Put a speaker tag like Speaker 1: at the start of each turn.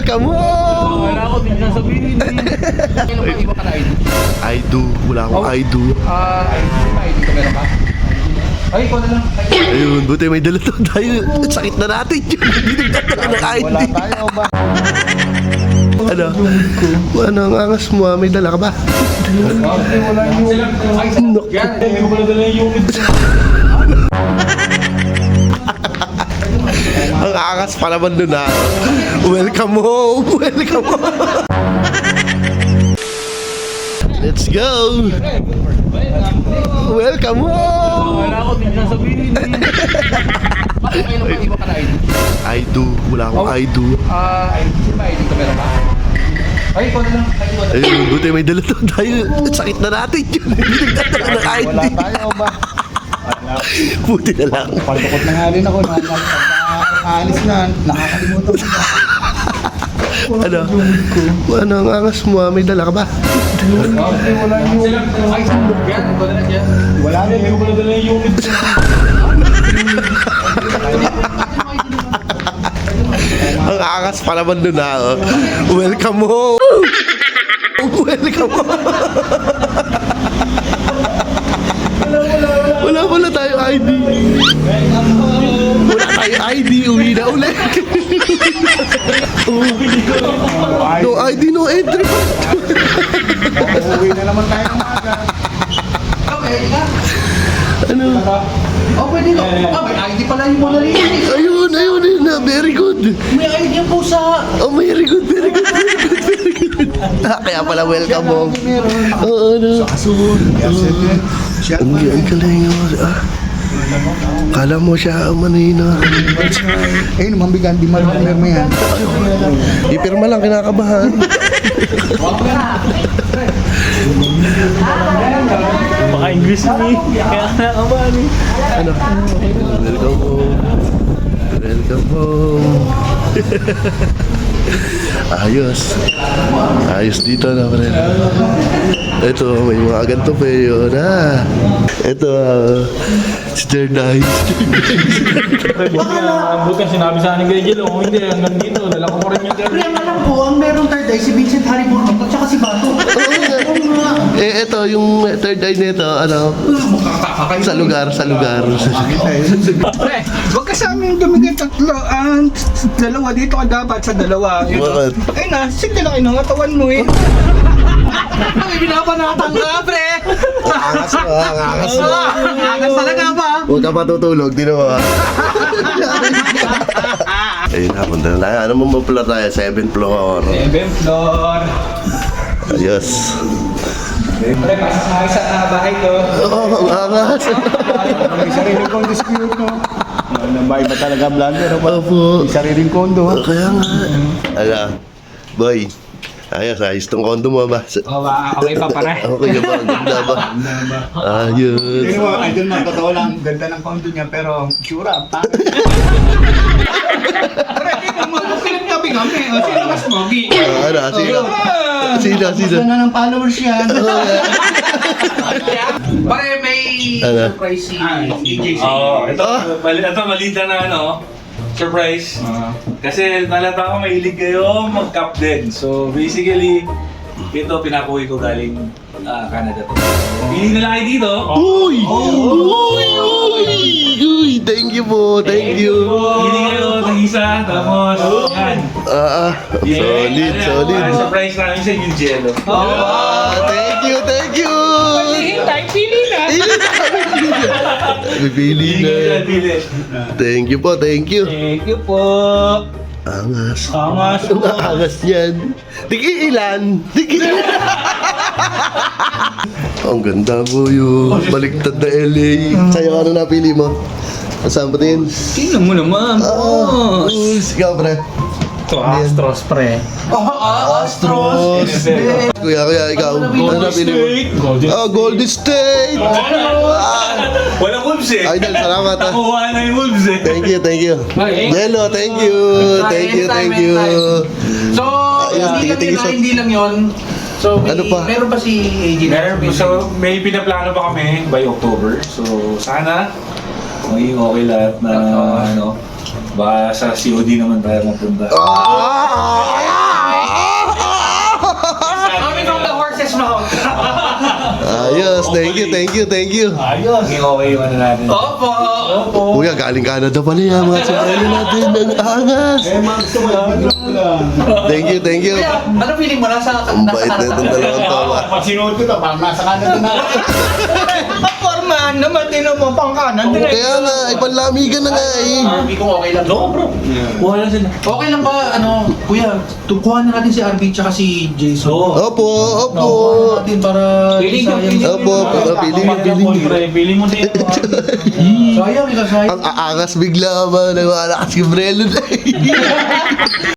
Speaker 1: Welcome home!
Speaker 2: Wala ako din sasabihin eh. Kailan pa iba ka na ID?
Speaker 1: I do. Wala akong I do.
Speaker 2: ID ka meron ka? Ay, ikaw na lang.
Speaker 1: Ayun, buti may dala to tayo. Sakit na natin yun. Hindi nagdadala ng ID.
Speaker 3: Wala tayo ba?
Speaker 1: Ano? Ano ang angas mo? May dala ka ba?
Speaker 3: Wala yung...
Speaker 2: Ay, yan. Hindi ko pala dala yung unit.
Speaker 1: Ang angas pa naman dun ha. Welcome home! Welcome home! Let's go! Welcome home!
Speaker 2: Wala ako din sasabihin eh. Kailan pa iba ka na ID?
Speaker 1: I do. Wala akong I do.
Speaker 2: ID ka meron ka? Ay, ikaw na lang.
Speaker 1: Ayun, buti may dala to tayo. Sakit na natin yun. Hindi nagdadala ng ID.
Speaker 3: Wala tayo ba?
Speaker 1: Buti na lang.
Speaker 3: Paltukot na nga rin ako. Nakaalis na. Nakakalimutan ko.
Speaker 1: Ano? Ano ang angas mo? May dala ka ba?
Speaker 3: Wala yung...
Speaker 2: Ay, yan. Ikaw na lang yan.
Speaker 3: Wala rin. Hindi ko pala dala yung unit.
Speaker 1: Ang angas pa naman dun ha. Welcome home! Welcome home! Wala pala tayo ID. Wala tayo ID. Uwi na ulit. No ID, no entry.
Speaker 3: Uuwi na naman tayo ng maga.
Speaker 2: Okay, ka?
Speaker 1: Ano?
Speaker 2: Oh, pwede ka. May ID pala yung Mona Lisa.
Speaker 1: Ayun, ayun, ayun na. Very good.
Speaker 2: May ID yung pusa.
Speaker 1: Oh, very good, very good, very good, very good. Kaya pala welcome home. Oo, ano.
Speaker 3: Kasun. Siya.
Speaker 1: Ang galing. Kala mo siya manina.
Speaker 3: Eh, mambigan. Di marunong mo yan.
Speaker 1: Ipirma lang, kinakabahan.
Speaker 2: Baka English ni. Kaya nakakabahan eh.
Speaker 1: Ano? Welcome home. Welcome home. Ayos. Ayos dito na, pre. Ito, may mga ganito pa yun, ha? Ito, si Jernay.
Speaker 2: Bukan sinabi sa akin kay Jello, kung hindi hanggang dito, dala ko rin yung
Speaker 4: Problema lang po, ang merong third eye, si Vincent Harry Burbank at saka si Bato.
Speaker 1: Eh, ito, yung third eye nito, ano? Sa lugar.
Speaker 3: Pre, huwag ka sa amin dumigay tatlo. Dalawa dito ka dapat sa dalawa.
Speaker 1: Bakit?
Speaker 3: Ay na, sige lang ng katawan mo eh.
Speaker 4: Ay, binapanatang ka, pre!
Speaker 1: Angas mo, angas mo.
Speaker 4: Agas talaga ba?
Speaker 1: Huwag ka patutulog, di naman. Ayun na, punta na tayo. Ano mo pala tayo? 7th floor.
Speaker 3: 7th floor.
Speaker 1: Ayos.
Speaker 3: Pre, pasasakay sa bahay ko.
Speaker 1: Oo, ang angas.
Speaker 3: May sariling kong dispute, no? Nambay ba talaga blunder?
Speaker 1: Opo.
Speaker 3: May sariling kondo, ha?
Speaker 1: Kaya nga. Ala, boy. Ayos tong kondo mo ba?
Speaker 3: Okay pa pare.
Speaker 1: Okay ba? Ang ganda ba? Ayos.
Speaker 3: Hindi mo, idol man, totoo lang, ganda ng kondo niya, pero sure up, ha? Pre, hindi mo, pinagtabi kami. Sino mas pogi?
Speaker 1: Ano? Sino?
Speaker 4: Gusto na ng followers yan.
Speaker 2: Pare, may
Speaker 1: Ano?
Speaker 2: surprise si DJ.
Speaker 5: Oo, ito malita na surprise. Kasi nalata ko mahilig kayo mag-cup din. So basically, ito pinakuwi ko galing Canada to. Pili nila kayo dito.
Speaker 1: Uy! Uy! Thank you po. Thank you.
Speaker 5: Pili kayo ng isa, tapos yan.
Speaker 1: Solid.
Speaker 5: Surprise namin sa yung Jello.
Speaker 1: Thank you. Pili na.
Speaker 5: Pili.
Speaker 1: Thank you po.
Speaker 5: Thank you po.
Speaker 1: Angas.
Speaker 5: Angas.
Speaker 1: Ang angas niyan. Ilan? Ang ganda po yung baliktad na LA. Sa'yo, ano napili mo? Saan pa din?
Speaker 3: Tingnan mo naman,
Speaker 1: Ikaw, pre.
Speaker 3: Ito, Astros, pre.
Speaker 1: Astros. Kuya, ikaw. Ano napili mo? Golden State.
Speaker 5: Walang wolves eh.
Speaker 1: Idol, salamat ha.
Speaker 5: Nakuha na yung wolves eh.
Speaker 1: Thank you. Jello, thank you.
Speaker 2: So, hindi lang yun. So,
Speaker 1: Ano pa?
Speaker 2: meron pa si AJ.
Speaker 5: So, may pinaplano pa kami by October. So, sana maging okay lahat na baka sa COD naman tayo mapunta.
Speaker 1: Ah!
Speaker 2: round.
Speaker 1: Ayos, thank you, thank you, thank you.
Speaker 5: Ayos. Naging okay yung ano natin.
Speaker 2: Opo.
Speaker 1: Kuya, galing Canada pala yan, mga sombrero natin, ang angas. Thank you, thank you.
Speaker 2: Kuya, ano feeling mo?
Speaker 1: Ang bait na itong dalawang tawa.
Speaker 3: Pag sinuot ko to, parang nasa Canada na.
Speaker 2: Forman naman din mo pang kanan.
Speaker 1: Kaya nga, ay panlamigan na nga eh.
Speaker 4: Arby kung okay lang.
Speaker 5: No, bro. Kuha lang sila.
Speaker 4: Okay lang ba, ano, kuya, kuha na natin si Arby tsaka si Jason.
Speaker 5: Oo.
Speaker 1: Opo, opo.
Speaker 4: Kuha natin para
Speaker 2: Piling ka,
Speaker 4: sayang.
Speaker 1: Opo, piling mo, piling mo.
Speaker 5: Piling mo din.
Speaker 4: Sayang, sayang.
Speaker 1: Ang aangas bigla ba, nagwala ka si Brelo na eh.